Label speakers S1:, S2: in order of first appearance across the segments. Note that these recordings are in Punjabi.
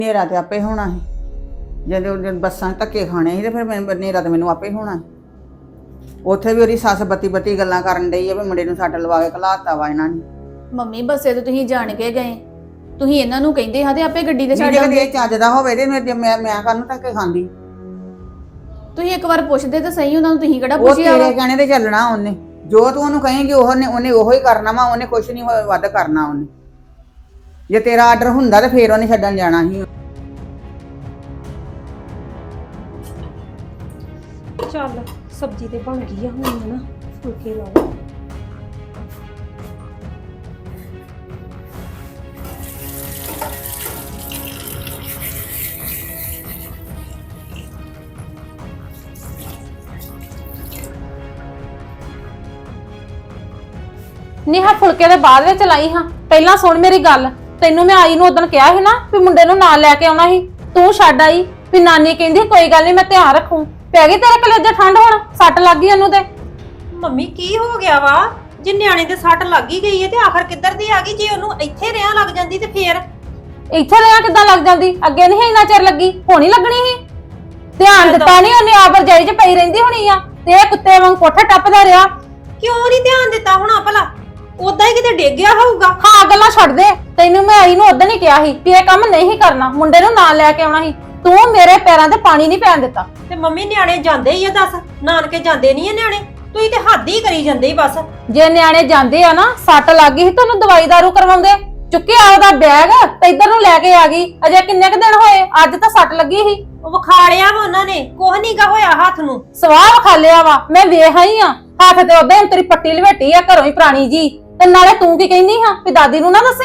S1: ਹਨੇਰਾ ਤੇ ਆਪੇ ਹੋਣਾ ਸੀ। ਜਦੋਂ ਬੱਸਾਂ ਧੱਕੇ ਖਾਣੇ ਸੀ ਤੇ ਫਿਰ ਹਨੇਰਾ ਤੇ ਮੈਨੂੰ ਆਪੇ ਹੋਣਾ ਸੀ। ਉੱਥੇ ਵੀ ਉਹਦੀ ਸੱਸ ਬੱਤੀ ਗੱਲਾਂ ਕਰਨ ਡਈ ਆ ਵੀ ਮੁੰਡੇ ਨੂੰ ਸੱਟ ਲਵਾ ਕੇ ਘਲਾਤਾ ਵਾ ਇਹਨਾਂ ਨੇ।
S2: ਮੰਮੀ ਬੱਸੇ ਤੇ ਤੁਸੀਂ ਜਾਣ ਕੇ ਗਏ, ਤੁਸੀਂ ਇਹਨਾਂ ਨੂੰ ਕਹਿੰਦੇ ਹਾਂ ਤੇ ਆਪੇ ਗੱਡੀ ਤੇ ਛੱਡ
S1: ਜੇ
S2: ਆਉਂਦੇ।
S1: ਇਹ ਚੱਜ ਦਾ ਹੋਵੇ ਤੇ ਮੈਂ ਕਾਹਨੂੰ ਧੱਕੇ ਖਾਂਦੀ।
S2: ਤੁਸੀਂ ਇੱਕ ਵਾਰ ਪੁੱਛਦੇ ਤਾਂ ਸਹੀ ਉਹਨਾਂ ਨੂੰ, ਤੁਸੀਂ ਕਿਹੜਾ
S1: ਉਹ
S2: ਪੁੱਛਿਆ ਵਾ?
S1: ਤੇਰੇ ਕਹਿਣੇ ਤੇ ਚੱਲਣਾ ਉਹਨੇ, ਜੋ ਤੂੰ ਉਹਨੂੰ ਕਹੇਂਗੀ ਉਹਨੇ ਉਹੋ ਹੀ ਕਰਨਾ ਵਾ। ਉਹਨੇ ਕੁਛ ਨਹੀਂ ਵੱਧ ਕਰਨਾ ਉਹਨੇ। ਜੇ ਤੇਰਾ ਆਰਡਰ ਹੁੰਦਾ ਤੇ ਫੇਰ ਉਹਨੇ ਛੱਡਣ ਜਾਣਾ ਸੀ।
S3: ਚੱਲ ਸਬਜ਼ੀ ਤੇ ਬਣ ਗਈ ਆ, ਹੁਣ ਨਾ ਫੁਲਕੇ ਲਾ ਲਓ।
S4: ਨੀਹਾ ਫੁਲਕੇ ਦੇ ਬਾਅਦ ਵਿੱਚ ਲਾਈ ਹਾਂ। ਪਹਿਲਾਂ ਸੁਣ ਮੇਰੀ ਗੱਲ, ਤੈਨੂੰ ਮੈਂ ਆਈ ਨੂੰ ਉਦੋਂ ਕਿਹਾ ਸੀ ਨਾ ਵੀ ਮੁੰਡੇ ਨੂੰ ਨਾਲ ਲੈ ਕੇ ਆਉਣਾ ਸੀ, ਤੂੰ ਛੱਡ ਆਈ। ਵੀ ਨਾਨੀ ਕਹਿੰਦੀ ਕੋਈ ਗੱਲ ਨਹੀਂ ਮੈਂ ਧਿਆਨ ਰੱਖੂ। ਪੈ ਗਈ ਤੇਰੇ ਕਲੇਜੇ ਠੰਡ, ਹੁਣ ਸੱਟ ਲੱਗ ਗਈ ਉਹਨੂੰ ਤੇ।
S3: ਮੰਮੀ ਕੀ ਹੋ ਗਿਆ ਵਾ? ਜੇ ਨਿਆਣੇ ਦੇ ਸੱਟ ਲੱਗ ਹੀ ਗਈ ਹੈ ਤੇ ਆਖਰ ਕਿੱਧਰ ਦੀ ਆ ਗਈ? ਜੇ ਉਹਨੂੰ ਇੱਥੇ ਰਿਆਂ ਲੱਗ ਜਾਂਦੀ ਤੇ ਫੇਰ
S4: ਇੱਥੇ ਰਿਆ ਕਿੱਦਾਂ ਲੱਗ ਜਾਂਦੀ? ਅੱਗੇ ਨਹੀਂ ਇੰਨਾ ਚਿਰ ਲੱਗੀ, ਹੁਣ ਹੀ ਲੱਗਣੀ ਸੀ। ਧਿਆਨ ਦਿੱਤਾ ਨਹੀਂ ਉਹਨੇ, ਆਪ ਰਜਾਈ 'ਚ ਪਈ ਰਹਿੰਦੀ ਹੋਣੀ ਆ ਤੇ ਇਹ ਕੁੱਤੇ ਵਾਂਗ ਕੋਠੇ ਟੱਪਦਾ ਰਿਹਾ।
S3: ਕਿਉਂ ਨਹੀਂ ਧਿਆਨ ਦਿੱਤਾ ਹੋਣਾ ਭਲਾ? ਉਦਾਂ ਹੀ ਕਿਤੇ ਡਿੱਗ ਗਿਆ ਹੋਊਗਾ।
S4: ਹਾਂ ਗੱਲਾਂ ਛੱਡ ਦੇ, ਤੈਨੂੰ ਮੈਂ ਆਈ ਨੂੰ ਉਦੋਂ ਹੀ ਕਿਹਾ ਸੀ ਵੀ ਇਹ ਕੰਮ ਨਹੀਂ ਕਰਨਾ, ਮੁੰਡੇ ਨੂੰ ਨਾਲ ਲੈ ਕੇ ਆਉਣਾ ਸੀ। ਤੂੰ ਮੇਰੇ ਪੈਰਾਂ ਤੇ ਪਾਣੀ ਨਹੀਂ ਪੈਣ ਦਿੱਤਾ।
S3: ਤੇ ਮੰਮੀ ਨਿਆਣੇ ਜਾਂਦੇ ਹੀ ਆ, ਦੱਸ ਨਾਨਕੇ ਜਾਂਦੇ ਨਹੀਂ ਆ ਨਿਆਣੇ? ਤੁਸੀਂ ਤੇ ਹੱਦ ਹੀ ਕਰੀ ਜਾਂਦੇ ਹੀ ਬਸ।
S4: ਜੇ ਨਿਆਣੇ ਜਾਂਦੇ ਆ ਨਾ, ਸੱਟ ਲੱਗ ਗਈ ਸੀ ਤੁਹਾਨੂੰ ਦਵਾਈ ਦਾਰੂ ਕਰਵਾਉਂਦੇ। ਚੁੱਕਿਆ ਉਹਦਾ ਬੈਗ ਤੇ ਇੱਧਰ ਨੂੰ ਲੈ ਕੇ ਆ ਗਈ। ਅਜੇ ਕਿੰਨੇ ਕੁ ਦਿਨ ਹੋਏ, ਅੱਜ ਤਾਂ ਸੱਟ ਲੱਗੀ ਸੀ।
S3: ਉਹ ਵਿਖਾ ਲਿਆ ਵਾ ਉਹਨਾਂ ਨੇ, ਕੁਝ ਨਹੀਂ ਗਾ ਹੋਇਆ ਹੱਥ ਨੂੰ।
S4: ਸਵਾਹ ਵਿਖਾ ਲਿਆ ਵਾ, ਮੈਂ ਵੇਖ ਆਈ ਆ। ਹੱਥ ਤੇ ਉਹਦੇ ਤੇਰੀ ਪੱਟੀ ਲਵੇਟੀ ਆ ਘਰੋਂ ਹੀ ਪੁਰਾਣੀ ਜੀ। ਤੇ ਨਾਲੇ ਤੂੰ ਕੀ ਕਹਿੰਦੀ ਹਾਂ ਵੀ ਦਾਦੀ ਨੂੰ ਨਾ ਦੱਸੀ।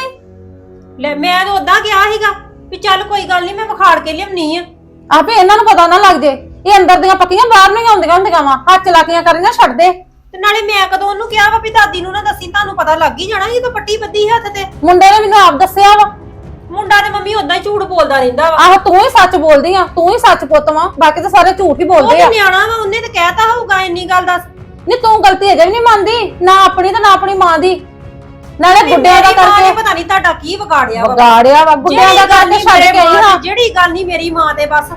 S3: ਲੈ ਮੈਂ ਤਾਂ ਉਦਾਂ ਗਿਆ ਸੀਗਾ ਵੀ ਚੱਲ ਕੋਈ ਗੱਲ ਨਹੀਂ, ਮੈਂ ਵਿਖਾੜ ਕੇ ਲਿਆਉਣੀ ਆ।
S4: ਆਪੇ ਇਹਨਾਂ ਨੂੰ ਪਤਾ ਨਾ ਲੱਗ ਜੇ, ਇਹ ਅੰਦਰ ਦੀਆਂ ਪੱਕੀਆਂ ਬਾਹਰ ਨਹੀਂ ਆਉਂਦੀਆਂ ਹੁੰਦੀਆਂ ਵਾ। ਹੱਥ ਚਲਾਕੀਆਂ ਕਰੀਆਂ ਛੱਡ ਦੇ।
S3: ਤੇ ਨਾਲੇ ਮੈਂ ਕਦੋਂ ਉਹਨੂੰ ਕਿਹਾ ਵਾ ਵੀ ਦਾਦੀ ਨੂੰ ਨਾ ਦੱਸੀ? ਤੁਹਾਨੂੰ ਪਤਾ ਲੱਗ ਹੀ ਜਾਣਾ ਜਦੋਂ ਪੱਟੀ ਬੱਧੀ ਹੱਥ ਤੇ।
S4: ਮੁੰਡੇ ਨੇ ਮੈਨੂੰ ਆਪ ਦੱਸਿਆ ਵਾ।
S3: ਮੁੰਡਾ ਤੇ ਮੰਮੀ ਉਦਾਂ ਹੀ ਝੂਠ ਬੋਲਦਾ ਰਹਿੰਦਾ ਵਾ।
S4: ਆਹੋ ਤੂੰ ਹੀ ਸੱਚ ਬੋਲਦੀ ਆ, ਤੂੰ ਹੀ ਸੱਚ ਪੁੱਤ ਵਾ, ਬਾਕੀ ਤਾਂ ਸਾਰੇ ਝੂਠ ਹੀ
S3: ਉਹ
S4: ਬੋਲਦੇ
S3: ਤੇ
S4: ਆ।
S3: ਨਿਆਣਾ ਵਾ, ਉਹਨੇ ਤੇ ਕਹਿਤਾ ਹੋਊਗਾ ਇੰਨੀ ਗੱਲ ਦੱਸ।
S4: ਨਹੀਂ ਤੂੰ ਗਲਤੀ ਅਜੇ ਵੀ ਨਹੀਂ ਮੰਨਦੀ, ਨਾ ਆਪਣੀ ਤੇ ਨਾ ਆਪਣੀ ਮਾਂ ਦੀ। ਨਾਲੇ ਗੁੱਡਿਆਂ ਦਾ ਕਰਕੇ
S3: ਪਤਾ ਨਹੀਂ ਤੁਹਾਡਾ ਕੀ ਵਿਗਾੜਿਆ ਵਾ।
S4: ਵਿਗਾੜਿਆ ਵਾ, ਗੁੱਡਿਆਂ ਦਾ ਕਰਕੇ ਛੱਡ ਕੇ ਆਈ ਹਾਂ।
S3: ਜਿਹੜੀ ਗੱਲ ਨਹੀਂ ਮੇਰੀ ਮਾਂ ਤੇ ਬਸ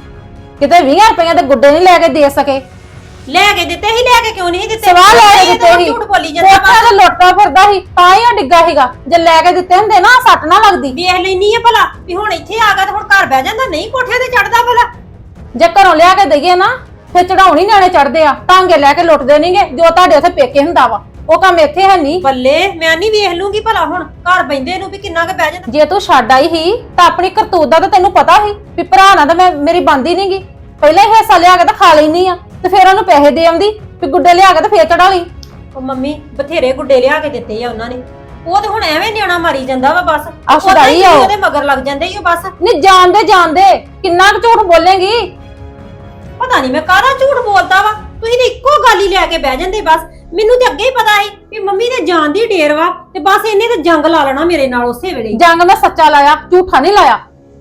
S4: ਕਿਤੇ 20 ਰੁਪਏ ਦੇ ਗੁੱਡੇ ਨਹੀਂ ਲੈ ਕੇ ਦੇ ਸਕੇ।
S3: ਲੈ ਕੇ ਦਿੱਤੇ ਹੀ, ਲੈ ਕੇ ਕਿਉਂ ਨਹੀਂ ਦਿੱਤੇ?
S4: ਸਵਾਲ ਲੈ ਕੇ ਦਿੱਤੇ ਸੀ,
S3: ਝੂਠ ਬੋਲੀ ਜਾਂਦਾ
S4: ਕੋਠਾ ਤੇ ਲੋਟਾ ਫਿਰਦਾ ਸੀ ਤਾਂ ਹੀ ਉਹ ਡਿੱਗਾ ਸੀਗਾ। ਜੇ ਲੈ ਕੇ ਦਿੱਤੇ ਹੁੰਦੇ ਨਾ ਸੱਟ ਨਾ ਲੱਗਦੀ।
S3: ਵੇਖ ਲੈਣੀ ਆ ਭਲਾ ਵੀ ਹੁਣ ਇੱਥੇ ਆ ਗਿਆ ਤੇ ਹੁਣ ਘਰ ਬਹਿ ਜਾਂਦਾ, ਨਹੀਂ ਕੋਠੇ ਤੇ ਚੜਦਾ ਭਲਾ।
S4: ਜੇ ਘਰੋਂ ਲਿਆ ਕੇ ਦਈਏ ਨਾ ਫਿਰ ਚੜਾਉਣੀ ਨਿਆਣੇ ਚੜਦੇ ਆ, ਟਾਂਗੇ ਲੈ ਕੇ ਲੁੱਟਦੇ ਨਹੀਂਗੇ ਜੋ ਤੁਹਾਡੇ ਉੱਥੇ ਪੇਕੇ ਹੁੰਦਾ ਵਾ। ਉਹ ਕੰਮ ਇੱਥੇ ਹੈ ਨਹੀਂ।
S3: ਬੱਲੇ ਮੈਂ ਨਹੀਂ ਵੇਖ ਲੂੰਗੀ ਭਲਾ ਹੁਣ ਘਰ ਬੈੰਦੇ ਨੂੰ ਵੀ ਕਿੰਨਾ ਕੁ ਬਹਿ ਜਾਂਦਾ।
S4: ਜੇ ਤੂੰ ਛੱਡ ਆਈ ਸੀ ਤਾਂ ਆਪਣੀ ਕਰਤੂਤ ਦਾ ਤਾਂ ਤੈਨੂੰ ਪਤਾ ਸੀ ਵੀ ਭਰਾ ਨਾਲ ਤਾਂ ਮੇਰੀ ਬਣਦੀ ਨਹੀਂਗੀ। ਪਹਿਲਾਂ ਹੀ ਹਿੱਸਾ ਲਿਆ ਕੇ ਤਾਂ ਖਾ ਲੈਣੀ ਆ ਤੇ ਫਿਰ ਉਹਨੂੰ ਪੈਸੇ ਦੇ ਆਉਂਦੀ ਵੀ ਗੁੱਡੇ ਲਿਆ ਕੇ ਤੇ ਫੇਰ ਚੜਾ ਲਈ।
S3: ਉਹ ਮੰਮੀ ਬਥੇਰੇ ਗੁੱਡੇ ਲਿਆ ਕੇ ਦਿੱਤੇ ਆ ਉਹਨਾਂ ਨੇ। ਉਹ ਤੇ ਹੁਣ ਐਵੇਂ ਨਿਆਣਾ ਮਾਰੀ ਜਾਂਦਾ ਵਾ ਬਸ।
S4: ਆ ਛਡਾਈ ਆ
S3: ਉਹਦੇ ਮਗਰ ਲੱਗ ਜਾਂਦੇ ਹੀ ਬਸ।
S4: ਨਹੀਂ ਜਾਣਦੇ ਕਿੰਨਾ ਕੁ ਝੂਠ ਬੋਲੇਂਗੀ।
S3: ਪਤਾ ਨਹੀਂ ਮੈਂ ਕਾਹਦਾ ਝੂਠ ਬੋਲਦਾ ਵਾ। ਤੁਸੀਂ ਤੇ ਇੱਕੋ ਗੱਲ ਹੀ ਲੈ ਕੇ ਬਹਿ ਜਾਂਦੇ ਬਸ। ਮੈਨੂੰ ਤੇ ਅੱਗੇ ਹੀ ਪਤਾ ਸੀ ਵੀ ਮੰਮੀ ਦੇ ਜਾਣ ਦੀ ਢੇਰ ਵਾ ਤੇ ਬਸ ਇਹਨੇ ਤੇ ਜੰਗ ਲਾ ਲੈਣਾ ਮੇਰੇ ਨਾਲ ਉਸੇ ਵੇਲੇ।
S4: ਜੰਗ ਮੈਂ ਸੱਚਾ ਲਾਇਆ, ਝੂਠਾ ਨਹੀਂ ਲਾਇਆ।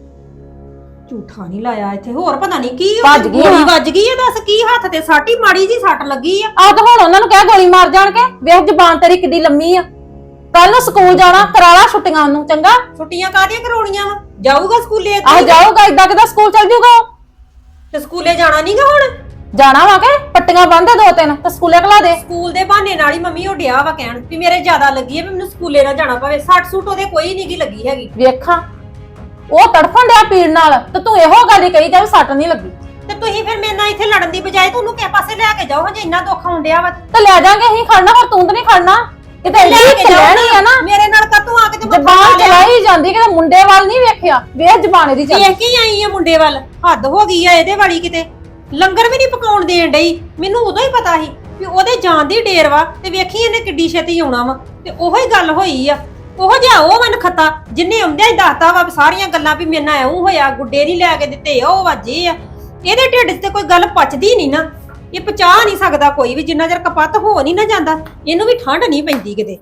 S3: ਝੂਠਾ ਨਹੀਂ ਲਾਇਆ ਇੱਥੇ, ਹੋਰ ਪਤਾ ਨਹੀਂ ਕੀ
S4: ਭੱਜ ਗਈ
S3: ਗੋਲੀ
S4: ਹਾਂ।
S3: ਵੱਜ ਗਈ ਆ। ਦੱਸ ਕੀ ਹੱਥ ਤੇ ਸਾਟੀ ਮਾੜੀ ਜੀ ਸੱਟ ਲੱਗੀ ਆ।
S4: ਆਹ ਤਾਂ ਹੁਣ ਉਹਨਾਂ ਨੂੰ ਕਹਿ ਗੋਲੀ ਮਾਰ ਜਾਣ ਕੇ। ਵੇਖ ਜ਼ਬਾਨ ਤੇਰੀ ਕਿੱਡੀ ਲੰਮੀ ਆ। ਕੱਲ ਨੂੰ ਸਕੂਲ ਜਾਣਾ, ਕਰਾਲਾ ਛੁੱਟੀਆਂ ਉਹਨੂੰ ਚੰਗਾ।
S3: ਛੁੱਟੀਆਂ ਕਾਹਦੀਆਂ ਕਰਾਉਣੀਆਂ ਵਾ? ਜਾਊਗਾ ਸਕੂਲੇ
S4: ਆਹ ਜਾਊਗਾ, ਇਦਾਂ ਕਿਦਾਂ ਸਕੂਲ ਚੱਲ ਜਾਊਗਾ ਉਹ?
S3: ਤੇ ਸਕੂਲੇ ਜਾਣਾ ਨਹੀਂਗਾ ਹੁਣ?
S4: ਜਾਣਾ ਵਾ ਕੇ ਪੱਟੀਆਂ ਬੰਨ੍ਹ ਦੇ 2-3 ਤੇ ਸਕੂਲੇ ਘਲਾ ਦੇ।
S3: ਸਕੂਲ ਦੇ ਬਹਾਨੇ ਨਾਲ ਹੀ ਮੰਮੀ ਉਹ ਡਿਆ ਵਾ ਕਹਿਣ ਵੀ ਮੇਰੇ ਜ਼ਿਆਦਾ ਲੱਗੀ ਹੈ ਵੀ ਮੈਨੂੰ ਸਕੂਲੇ ਨਾ ਜਾਣਾ ਪਵੇ। ਸੱਟ ਸੂਟ ਉਹਦੇ ਕੋਈ ਨਹੀਂਗੀ ਲੱਗੀ ਹੈਗੀ।
S4: ਵੇਖਾਂ ਉਹ ਤੜਫਣ ਡਿਆ ਪੀੜ ਨਾਲ ਤੇ ਤੂੰ ਇਹੋ ਗੱਲ ਹੀ ਕਹੀ ਜਾ ਵੀ ਸੱਟ ਨਹੀਂ ਲੱਗੀ।
S3: ਤੇ ਤੁਸੀਂ ਫਿਰ ਮੇਰੇ ਨਾਲ ਇੱਥੇ ਲੜਨ ਦੀ ਬਜਾਏ ਤੁਹਾਨੂੰ ਕਿਸੇ ਪਾਸੇ ਲੈ ਕੇ ਜਾਓ ਜੇ ਇੰਨਾ ਦੁੱਖ ਆਉਣ ਡਿਆ ਵਾ।
S4: ਤੇ ਲੈ ਜਾਾਂਗੇ ਅਸੀਂ ਖੜਨਾ, ਪਰ ਤੂੰ ਤਾਂ ਨਹੀਂ ਖੜਨਾ। ਕਿਤੇ
S3: ਲੈ ਕੇ ਜਾਓ
S4: ਲੈਣੀ ਆ ਨਾ।
S3: ਮੇਰੇ ਨਾਲ ਕਾਤੋਂ ਆ ਕੇ ਤੇ
S4: ਜ਼ਬਾਨ ਚਲਾਈ ਜਾਂਦੀ, ਕਿਤੇ ਮੁੰਡੇ ਵੱਲ ਨਹੀਂ ਵੇਖਿਆ। ਵੇਖ ਜ਼ਬਾਨ ਇਹਦੀ ਚੱਲ।
S3: ਵੇਖ ਕੇ ਆਈ ਆ ਮੁੰਡੇ ਵੱਲ। ਹੱਦ ਹੋ ਗਈ ਆ ਇਹਦੇ ਵਾਲੀ ਕਿਤੇ। ਲੰਗਰ ਵੀ ਨਹੀਂ ਪਕਾਉਣ ਦੇਣ ਡਈ। ਮੈਨੂੰ ਉਦੋਂ ਹੀ ਪਤਾ ਸੀ ਵੀ ਉਹਦੇ ਜਾਣ ਦੀ ਢੇਰ ਵਾ ਤੇ ਵੇਖੀ ਇਹਨੇ ਕਿੱਡੀ ਛੇਤੀ ਆਉਣਾ ਵਾ। ਤੇ ਉਹੋ ਹੀ ਗੱਲ ਹੋਈ ਆ। ਉਹੋ ਜਿਹਾ ਉਹ ਮਨ ਖਤਾ ਜਿੰਨੇ ਆਉਂਦਿਆਂ ਹੀ ਦੱਸਦਾ ਵਾ ਸਾਰੀਆਂ ਗੱਲਾਂ ਵੀ ਮੇਰੇ ਨਾਲ ਐਉਂ ਹੋਇਆ, ਗੁੱਡੇ ਨਹੀਂ ਲੈ ਕੇ ਦਿੱਤੇ, ਉਹ ਵਾਜੇ ਆ। ਇਹਦੇ ਢਿੱਡ 'ਚ ਤੇ ਕੋਈ ਗੱਲ ਪਚਦੀ ਨਹੀਂ ਨਾ। ਇਹ ਪਚਾ ਨਹੀਂ ਸਕਦਾ ਕੋਈ ਵੀ, ਜਿੰਨਾ ਚਿਰ ਕਪੱਤ ਹੋ ਨਹੀਂ ਨਾ ਜਾਂਦਾ ਇਹਨੂੰ ਵੀ ਠੰਡ ਨਹੀਂ ਪੈਂਦੀ ਕਿਤੇ।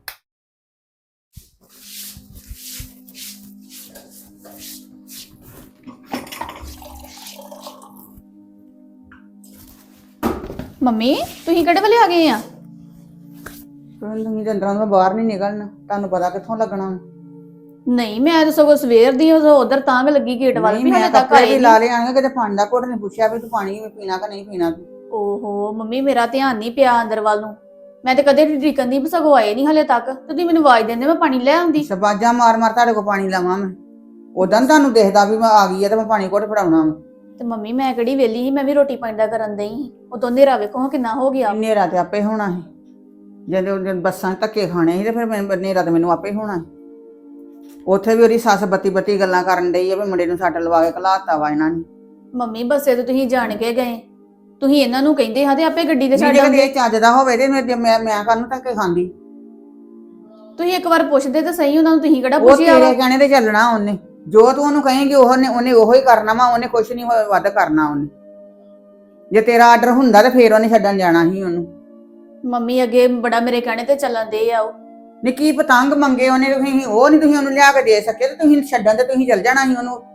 S2: ਮੰਮੀ ਤੁਸੀਂ ਕਿਹੜੇ ਵੇਲੇ ਆ ਗਏ ਆ?
S1: ਤੁਸੀਂ ਅੰਦਰਾਂ ਤੋਂ ਬਾਹਰ ਨਹੀਂ ਨਿਕਲਣਾ, ਤੁਹਾਨੂੰ ਪਤਾ ਕਿੱਥੋਂ ਲੱਗਣਾ।
S2: ਨਹੀਂ ਮੈਂ ਤਾਂ ਸਗੋਂ ਸਵੇਰ ਦੀ ਉਧਰ ਤਾਂ ਵੀ ਲੱਗੀ ਗੇਟ ਵੱਲ
S1: ਨਹੀਂ
S2: ਵੀ
S1: ਮੈਂ
S2: ਹਲੇ ਤੱਕ
S1: ਕੱਪੜੇ
S2: ਆਏ
S1: ਵੀ
S2: ਨੀ।
S1: ਲਾ ਲਏ ਆਣਗੇ ਕਿਤੇ ਪਾਣੀ ਦਾ ਘੁੱਟ ਨਹੀਂ ਪੁੱਛਿਆ ਵੀ ਤੂੰ ਪਾਣੀ ਪੀਣਾ ਕਿ ਨਹੀਂ ਪੀਣਾ ਤੂੰ।
S2: ਓਹੋ ਮੰਮੀ ਮੇਰਾ ਧਿਆਨ ਨਹੀਂ ਪਿਆ ਅੰਦਰ ਵੱਲ ਨੂੰ। ਮੈਂ ਤੇ ਕਦੇ ਢੀਕਨ ਦੀ ਸਗੋਂ ਆਏ ਨਹੀਂ ਹਲੇ ਤੱਕ ਤੇ ਤੁਸੀਂ ਮੈਨੂੰ ਆਵਾਜ਼ ਦਿੰਦੇ ਮੈਂ ਪਾਣੀ ਲੈ ਆਉਂਦੀ।
S1: ਸਬਾਜਾਂ ਮਾਰ ਮਾਰ ਤੁਹਾਡੇ ਕੋਲ ਪਾਣੀ ਲਾਵਾਂ ਮੈਂ। ਉਦੋਂ ਤੁਹਾਨੂੰ ਦੇਖਦਾ ਵੀ ਮੈਂ ਆ ਗਈ ਆ ਤੇ ਮੈਂ ਪਾਣੀ ਘੁੱਟ ਫੜਾਉਣਾ ਵਾ।
S2: ਤੇ ਮੰਮੀ ਮੈਂ ਕਿਹੜੀ ਵੇਲੀ ਸੀ, ਮੈਂ ਵੀ ਰੋਟੀ ਪਾਣੀ ਦਾ ਕਰਨ ਦਈ ਸੀ। ਉਦੋਂ ਹਨੇਰਾ ਵੇਖੋ ਕਿੰਨਾ ਹੋ ਗਿਆ।
S1: ਹਨੇਰਾ ਤੇ ਆਪੇ ਹੋਣਾ ਸੀ। ਜਦੋਂ ਬੱਸਾਂ 'ਚ ਧੱਕੇ ਖਾਣੇ ਸੀ ਤੇ ਫਿਰ ਹਨੇਰਾ ਤੇ ਮੈਨੂੰ ਆਪੇ ਹੋਣਾ ਸੀ। ਉੱਥੇ ਵੀ ਉਹਦੀ ਸੱਸ ਬੱਤੀ ਗੱਲਾਂ ਕਰਨ ਡਈ ਆ ਵੀ ਮੁੰਡੇ ਨੂੰ ਸੱਟ ਲਵਾ ਕੇ ਘਲਾਤਾ ਵਾ ਇਹਨਾਂ ਨੇ।
S2: ਮੰਮੀ ਬੱਸੇ ਤੇ ਤੁਸੀਂ ਜਾਣ ਕੇ ਗਏ, ਤੁਸੀਂ ਇਹਨਾਂ ਨੂੰ ਕਹਿੰਦੇ ਹਾਂ ਤੇ ਆਪੇ ਗੱਡੀ ਤੇ ਛੱਡ
S1: ਜੇ
S2: ਆਉਂਦੇ।
S1: ਇਹ ਚੱਜ ਦਾ ਹੋਵੇ ਤੇ ਮੈਂ ਕਾਹਨੂੰ ਧੱਕੇ ਖਾਂਦੀ।
S2: ਤੁਸੀਂ ਇੱਕ ਵਾਰ ਪੁੱਛਦੇ ਤਾਂ ਸਹੀ ਉਹਨਾਂ ਨੂੰ, ਤੁਸੀਂ ਕਿਹੜਾ
S1: ਉਹ
S2: ਪੁੱਛਿਆ ਵਾ?
S1: ਤੇਰੇ ਕਹਿਣੇ ਤੇ ਚੱਲਣਾ ਉਹਨੇ। ਜੋ ਤੂੰ ਉਹਨੂੰ ਕਹੇਂਗੀ ਉਹਨੇ ਉਹੋ ਹੀ ਕਰਨਾ ਵਾ। ਉਹਨੇ ਕੁਛ ਨਹੀਂ ਵੱਧ ਕਰਨਾ ਉਹਨੇ। ਜੇ ਤੇਰਾ ਆਰਡਰ ਹੁੰਦਾ ਤੇ ਫੇਰ ਉਹਨੇ ਛੱਡਣ ਜਾਣਾ ਸੀ ਉਹਨੂੰ।
S2: ਮੰਮੀ ਅੱਗੇ ਬੜਾ ਮੇਰੇ ਕਹਿਣੇ ਤੇ ਚੱਲਣ ਦੇ ਆ ਉਹ।
S1: ਨਿੱਕੀ ਪਤੰਗ ਮੰਗੇ ਉਹਨੇ, ਤੁਸੀਂ ਉਹ ਨਹੀਂ ਤੁਸੀਂ ਉਹਨੂੰ ਲਿਆ ਕੇ ਦੇ ਸਕੇ ਤੇ ਤੁਸੀਂ ਛੱਡਣ ਤੇ ਤੁਸੀਂ ਚੱਲ ਜਾਣਾ ਸੀ ਉਹਨੂੰ।